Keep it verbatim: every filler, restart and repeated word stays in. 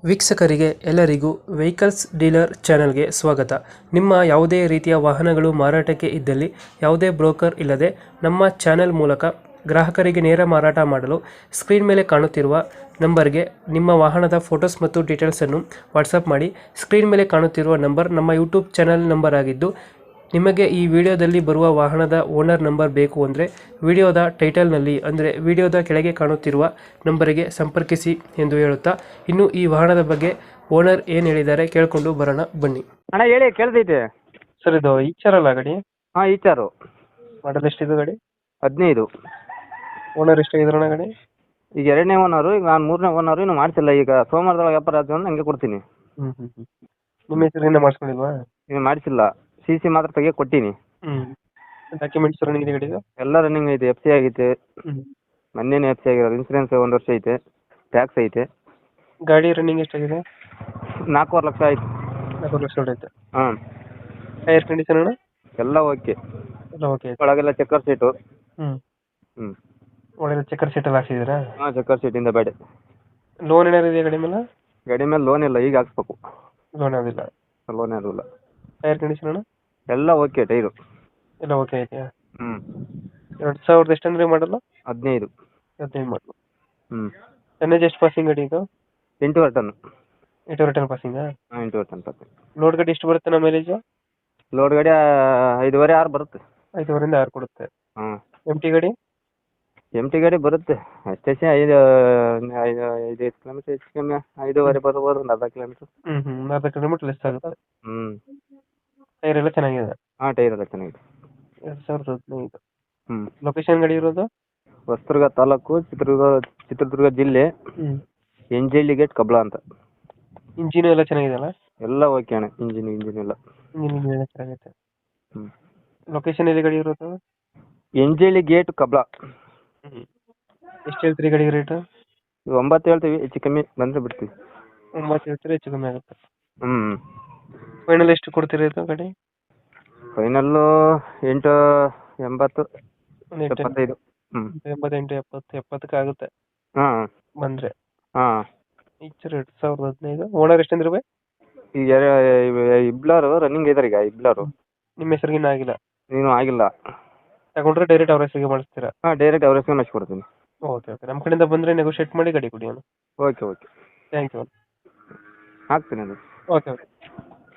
ವೀಕ್ಷಕರಿಗೆ ಎಲ್ಲರಿಗೂ vehicles dealer ಚಾನೆಲ್ಗೆ ಸ್ವಾಗತ. ನಿಮ್ಮ ಯಾವುದೇ ರೀತಿಯ ವಾಹನಗಳು ಮಾರಾಟಕ್ಕೆ ಇದ್ದಲ್ಲಿ ಯಾವುದೇ ಬ್ರೋಕರ್ ಇಲ್ಲದೆ ನಮ್ಮ ಚಾನೆಲ್ ಮೂಲಕ ಗ್ರಾಹಕರಿಗೆ ನೇರ ಮಾರಾಟ ಮಾಡಲು ಸ್ಕ್ರೀನ್ ಮೇಲೆ ಕಾಣುತ್ತಿರುವ ನಂಬರ್ಗೆ ನಿಮ್ಮ ವಾಹನದ ಫೋಟೋಸ್ ಮತ್ತು ಡೀಟೇಲ್ಸನ್ನು ವಾಟ್ಸಪ್ ಮಾಡಿ. ಸ್ಕ್ರೀನ್ ಮೇಲೆ ಕಾಣುತ್ತಿರುವ ನಂಬರ್ ನಮ್ಮ ಯೂಟ್ಯೂಬ್ ಚಾನೆಲ್ ನಂಬರ್ ಆಗಿದ್ದು, ನಿಮಗೆ ಈ ವಿಡಿಯೋದಲ್ಲಿ ಬರುವ ವಾಹನದ ಓನರ್ ನಂಬರ್ ಬೇಕು ಅಂದರೆ ವಿಡಿಯೋದ ಟೈಟಲ್ನಲ್ಲಿ ಅಂದರೆ ವಿಡಿಯೋದ ಕೆಳಗೆ ಕಾಣುತ್ತಿರುವ ನಂಬರಿಗೆ ಸಂಪರ್ಕಿಸಿ ಎಂದು ಹೇಳುತ್ತಾ, ಇನ್ನು ಈ ವಾಹನದ ಬಗ್ಗೆ ಓನರ್ ಏನು ಹೇಳಿದ್ದಾರೆ ಕೇಳಿಕೊಂಡು ಬರೋಣ ಬನ್ನಿ. ಅಣ್ಣ ಹೇಳಿ, ಕೇಳ್ತೈತೆ. ಸರ್, ಇದು ಈಚಾರಲ್ಲ ಗಾಡಿ? ಹಾಂ, ಈಚಾರು. ಮಾಡಲ್ ಎಷ್ಟಿದೆ ಗಾಡಿ? ಹದಿನೈದು. ಓನರ್ ಎಷ್ಟಾಗಿದ್ರಣ್ಣ ಗಾಡಿ? ಈಗ ಎರಡನೇ ಓನರು, ಈಗ ನಾನು ಮೂರನೇ ಓನರು. ಇನ್ನೂ ಮಾಡ್ತಿಲ್ಲ. ಈಗ ಸೋಮವಾರದೊಳಗೆ ವ್ಯಾಪಾರ ಆಯ್ತು ಅಂದ್ರೆ ಹಂಗೆ ಕೊಡ್ತೀನಿ. ಹ್ಞೂ ಹ್ಞೂ ಹ್ಞೂ ನಿಮ್ಮ ಹೆಸರಿಂದ ಮಾಡಿಸ್ಕೊಂಡಿಲ್ವಾ? ಇನ್ನು ಮಾಡಿಸಿಲ್ಲ. ಸಿ ಸಿ ಮಾತ್ರ ತೆಗಿಯೋ ಕೊಟ್ಟೀನಿ. ಹ್ಞೂ ಡಾಕ್ಯುಮೆಂಟ್ಸ್ ರನ್ನಿಂಗ್ ಇದೆ ಗಾಡಿದು? ಎಲ್ಲ ರನ್ನಿಂಗ್ ಐತೆ. ಎಫ್ ಸಿ ಆಗೈತೆ. ಹ್ಞೂ ಮೊನ್ನೆನೇ ಎಫ್ ಸಿ ಆಗಿರೋದು. ಇನ್ಸೂರೆನ್ಸ್ ಒಂದು ವರ್ಷ ಐತೆ. ಟ್ಯಾಕ್ಸ್ ಐತೆ. ಗಾಡಿ ರನ್ನಿಂಗ್ ಎಷ್ಟಾಗಿದೆ? ನಾಲ್ಕೂವರೆ ಲಕ್ಷ ಆಯ್ತು. ನಾಲ್ಕು ಲಕ್ಷ ಹೊಡೆಯುತ್ತೆ. ಹಾಂ. ಟೈರ್ ಕಂಡೀಷನ್ ಅಣ್ಣ? ಎಲ್ಲ ಓಕೆ. ಎಲ್ಲ ಓಕೆ ಐತೆ. ಒಳಗೆಲ್ಲ ಚೆಕ್ಕರ್ ಸೀಟು. ಹ್ಞೂ ಹ್ಞೂ ಒಳ್ಳೆ ಚೆಕ್ಕರ್ ಸೀಟೆಲ್ಲ ಹಾಕ್ಸಿದ್ದೀರಾ? ಹಾಂ, ಚೆಕ್ಕರ್ ಸೀಟಿಂದ ಬೇಡ. ಲೋನ್ ಏನಾರು ಇದೆಯಾ ಗಾಡಿ ಮೇಲೆ? ಗಾಡಿ ಮೇಲೆ ಲೋನ್ ಇಲ್ಲ, ಈಗ ಹಾಕ್ಸ್ಬೇಕು. ಲೋನ್ ಯಾವುದಿಲ್ಲ? ಲೋನ್ ಯಾರು ಇಲ್ಲ. ಟೈರ್ ಕಂಡೀಷನ್ ಅಣ್ಣ? ಎಲ್ಲ ಓಕೆ. ಟೈರು ಎಲ್ಲ ಓಕೆ ಐತೆಯಾ? ಹ್ಞೂ. ಎರಡು ಸಾವಿರದ ಎಷ್ಟಂದ್ರೆ ಮಾಡಲ್ಲ? ಹದಿನೈದು. ಹದಿನೈದು ಮಾಡಲು. ಹ್ಞೂ. ಟನ್ನೇಜ್ ಎಷ್ಟು ಪಾಸಿಂಗ್ ಗಾಡಿ ಇದು? ಎಂಟೂವರೆ ಟನ್. ಎಂಟೂವರೆ ಟನ್ ಪಾಸಿಂಗಾ? ಹಾಂ, ಎಂಟೂವರೆ ಟನ್ ಪಾಸಿಂಗ್. ಲೋಡ್ ಗಾಡಿ ಎಷ್ಟು ಬರುತ್ತೆ ನಮ್ಮ ಮೈಲೇಜು? ಲೋಡ್ ಗಾಡಿ ಐದುವರೆ ಆರು ಬರುತ್ತೆ. ಐದುವರೆಯಿಂದ ಆರು ಕೊಡುತ್ತೆ. ಹಾಂ. ಎಮ್ ಟಿ ಗಾಡಿ? ಎಮ್ ಟಿ ಗಾಡಿ ಬರುತ್ತೆ ಅಷ್ಟೇ. ಐದು ಐದು ಐದು ಕಿಲೋಮೀಟ್ರ್ ಹೆಚ್ಚು ಕಮ್ಮಿ ಐದೂವರೆ ಬರ್ಬೋದು, ಒಂದು ಅರ್ಧ ಕಿಲೋಮೀಟ್ರ್. ಹ್ಞೂ ಹ್ಞೂ ಅರ್ಧ ಕಿಲೋಮೀಟ್ರ್ ಲೆಸ್ ಆಗುತ್ತೆ. ಹ್ಞೂ. ಟೈರ್ ಎಲ್ಲ ಚೆನ್ನಾಗಿದೆ? ಹಾಂ, ಟೈರ್ ಎಲ್ಲ ಚೆನ್ನಾಗಿದೆ. ಎರಡು ಸಾವಿರದ ಹದಿನೈದು. ಹ್ಞೂ. ಲೊಕೇಶನ್ ಗಾಡಿ ಇರೋದು? ಹೊಸದುರ್ಗ ತಾಲೂಕು, ಚಿತ್ರದುರ್ಗ ಚಿತ್ರದುರ್ಗ ಜಿಲ್ಲೆ, ಹ್ಞೂ. ಎಂಜಳ್ಳಿ ಗೇಟ್, ಕಬ್ಳ ಅಂತ. ಇಂಜಿನು ಎಲ್ಲ ಚೆನ್ನಾಗಿದೆಯಲ್ಲ? ಎಲ್ಲ ಓಕೆ ಅಣ್ಣ. ಇಂಜಿನ್ ಇಂಜಿನ್ ಎಲ್ಲ ಇಂಜಿನ್ ಎಲ್ಲ ಚೆನ್ನಾಗೈತೆ. ಹ್ಞೂ. ಲೊಕೇಶನ್ ಎಲ್ಲಿ ಗಾಡಿ ಇರೋದು? ಎಂಜಳ್ಳಿ ಗೇಟ್, ಕಬ್ಳ. ಹ್ಞೂ. ಎಷ್ಟು ಹೇಳ್ತೀರಿ ಗಾಡಿಗೆ ರೇಟು? ಒಂಬತ್ತು ಹೇಳ್ತೀವಿ, ಹೆಚ್ಚು ಕಮ್ಮಿ ಬಂದರೆ ಬಿಡ್ತೀವಿ. ಒಂಬತ್ತು ಹೇಳ್ತೀರಿ, ಹೆಚ್ಚು ಕಮ್ಮಿ ಆಗುತ್ತೆ. ಹ್ಞೂ. ಫೈನಲ್ ಎಷ್ಟು ಕೊಡ್ತೀರಿ ಇದು ಗಾಡಿ? ಫೈನಲ್ಲು ಎಂಟು ಎಂಬತ್ತು ಒಂದು ಎಂಟು ಎಪ್ಪತ್ತೈದು. ಹ್ಞೂ. ಎಂಬತ್ತೆಂಟು ಎಪ್ಪತ್ತು ಎಪ್ಪತ್ತಕ್ಕೆ ಆಗುತ್ತೆ ಹಾಂ ಬಂದರೆ. ಹಾಂ. ಈಚರ್ ಎರಡು ಸಾವಿರದ ಹದಿನೈದು. ಓನರ್ ಎಷ್ಟಂದ್ರೆ ಬೈ? ಈಗ ಇಬ್ಲಾರು ರನ್ನಿಂಗ್ ಇದ್ದಾರೆ. ಈಗ ಇಬ್ಲಾರು ನಿಮ್ಮ ಹೆಸರಿಗಿನ್ನ ಆಗಿಲ್ಲ? ನೀನು ಆಗಿಲ್ಲ. ತಗೊಂಡ್ರೆ ಡೈರೆಕ್ಟ್ ಅವ್ರ ಹೆಸರಿಗೆ ಮಾಡಿಸ್ತೀರಾ? ಹಾಂ, ಡೈರೆಕ್ಟ್ ಅವ್ರ ಹೆಸರು ಮಾಡಿಸ್ಕೊಡ್ತೀನಿ. ಓಕೆ ಓಕೆ ನಮ್ಮ ಕಡೆಯಿಂದ ಬಂದರೆ ನೆಗೋಷಿಯೇಟ್ ಮಾಡಿ ಗಾಡಿ ಕೊಡಿ. Okay okay thank you. ಹಾಕ್ತೀನಿ ಅದು. Okay okay.